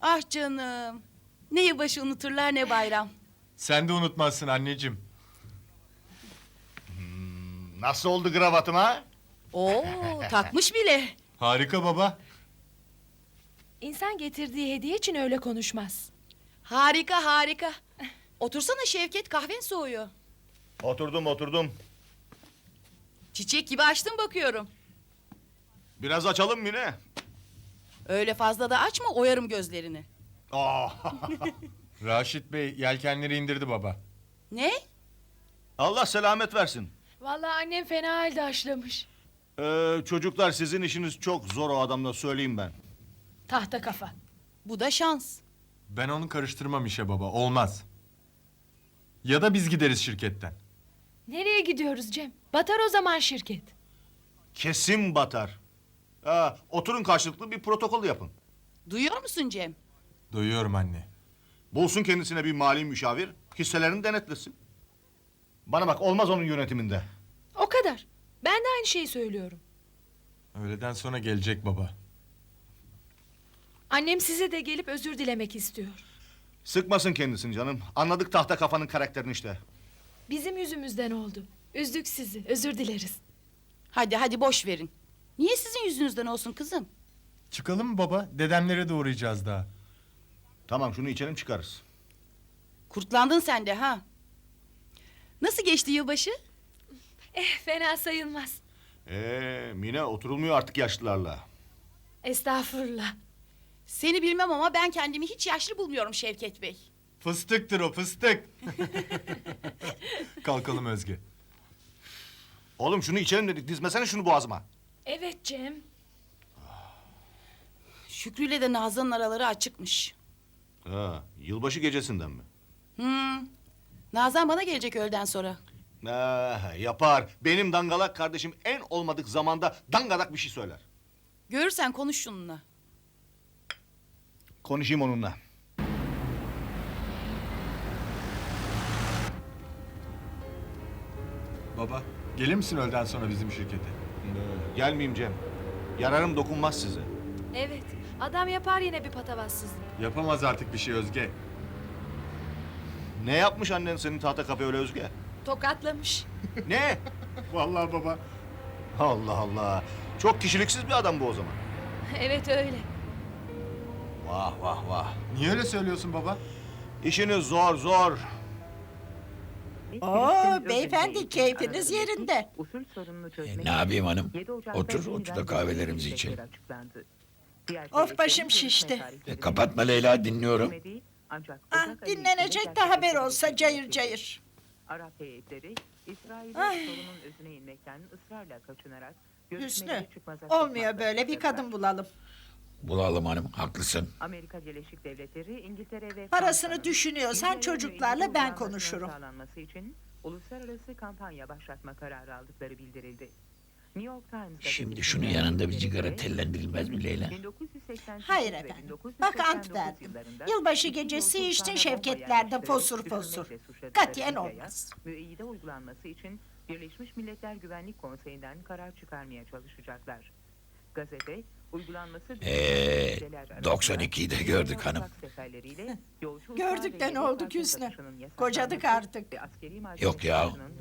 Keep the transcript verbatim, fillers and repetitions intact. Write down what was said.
Ah canım. Ne yılbaşı unuturlar ne bayram. Sen de unutmazsın anneciğim. Nasıl oldu kravatım ha? Oo, takmış bile. Harika baba. İnsan getirdiği hediye için öyle konuşmaz. Harika harika. Otursana Şevket, kahven soğuyor. Oturdum oturdum. Çiçek gibi açtın bakıyorum. Biraz açalım mı yine? Öyle fazla da açma, oyarım gözlerini. Aa, Raşit Bey yelkenleri indirdi baba. Ne? Allah selamet versin. Vallahi annem fena halde haşlamış. Ee, çocuklar sizin işiniz çok zor o adamla söyleyeyim ben. Tahta kafa. Bu da şans. Ben onu karıştırmam işe baba. Olmaz. Ya da biz gideriz şirketten. Nereye gidiyoruz Cem? Batar o zaman şirket. Kesin batar. Ha, oturun karşılıklı bir protokol yapın. Duyuyor musun Cem? Duyuyorum anne. Bulsun kendisine bir mali müşavir, hisselerini denetlesin. Bana bak, olmaz onun yönetiminde. O kadar. Ben de aynı şeyi söylüyorum. Öğleden sonra gelecek baba. Annem size de gelip özür dilemek istiyor. Sıkmasın kendisini canım. Anladık tahta kafanın karakterini işte. Bizim yüzümüzden oldu. Üzdük sizi. Özür dileriz. Hadi hadi boş verin. Niye sizin yüzünüzden olsun kızım? Çıkalım mı baba? Dedemlere de uğrayacağız daha. Tamam, şunu içelim çıkarız. Kurtlandın sen de ha. Nasıl geçti yılbaşı? Eh fena sayılmaz. Ee, Mine oturulmuyor artık yaşlılarla. Estağfurullah. Seni bilmem ama ben kendimi hiç yaşlı bulmuyorum Şevket Bey. Fıstıktır o fıstık. Kalkalım Özge. Oğlum şunu içelim dedik, dizmesene şunu boğazıma. Evet Cem. Şükrü ile de Nazan'ın araları açıkmış. Ha, yılbaşı gecesinden mi? Hmm. Nazan bana gelecek öğleden sonra. Ha, yapar. Benim dangalak kardeşim en olmadık zamanda dangalak bir şey söyler. Görürsen konuş şununla. Konuşayım onunla. Baba, gelir misin öğleden sonra bizim şirkete? Ee, gelmeyeyim Cem. Yararım dokunmaz size. Evet. Adam yapar yine bir patavatsızlık. Yapamaz artık bir şey Özge. Ne yapmış annen senin tahta kafe öyle Özge? Tokatlamış. Ne? Vallahi baba. Allah Allah. Çok kişiliksiz bir adam bu o zaman. Evet öyle. Vah vah vah. Niye öyle söylüyorsun baba? İşiniz zor zor. Oo, beyefendi keyfiniz yerinde. Usul sorununu çözmek E, ne yapayım hanım? yedi Ocak'ta Otur, yeniden otur da kahvelerimizi görüşme içelim. açıklandı. Diğer Of, başım görüşme şişti. tarihleri E, kapatma Leyla, dinliyorum. değil, ancak Ah, Ocak ayı dinlenecek içinde de haber olsa gerçekleşecek cayır bir- cayır. Arap heyetleri İsrail'in Ay. sorunun özüne inmekten ısrarla kaçınarak Hüsnü, görüşmeleri çıkmaza olmuyor sokmakla böyle, bir suçladılar. kadın bulalım. Bulalım hanım, haklısın. Amerika Birleşik Devletleri, İngiltere ve Parasını Fransa'nın düşünüyorsan İsrail'in çocuklarla ilgili ben uzanmasının konuşurum. sağlanması için uluslararası kampanya başlatma kararı aldıkları bildirildi. New York Times'da Şimdi belirtilen şunun yanında bir bilgilerine cigara göre, tellendirilmez mi Leyla? bin dokuz yüz seksen sekiz Hayır ve efendim, bin dokuz yüz bak seksen ant dokuz verdim. yıllarında Yılbaşı iki gecesi yolsuz içtin tane şevketlerde bomba fosur yerleştirerek fosur. düşürmekle suçladıkları Katiyen Libya'ya olmaz. müeyyide uygulanması için Birleşmiş Milletler Güvenlik Konseyi'nden karar çıkarmaya çalışacaklar. Gazete, uygulanması... Ee, doksan ikiyi de gördük hanım. Gördük de ne oldu Hüsnü? Kocadık artık. Yok ya,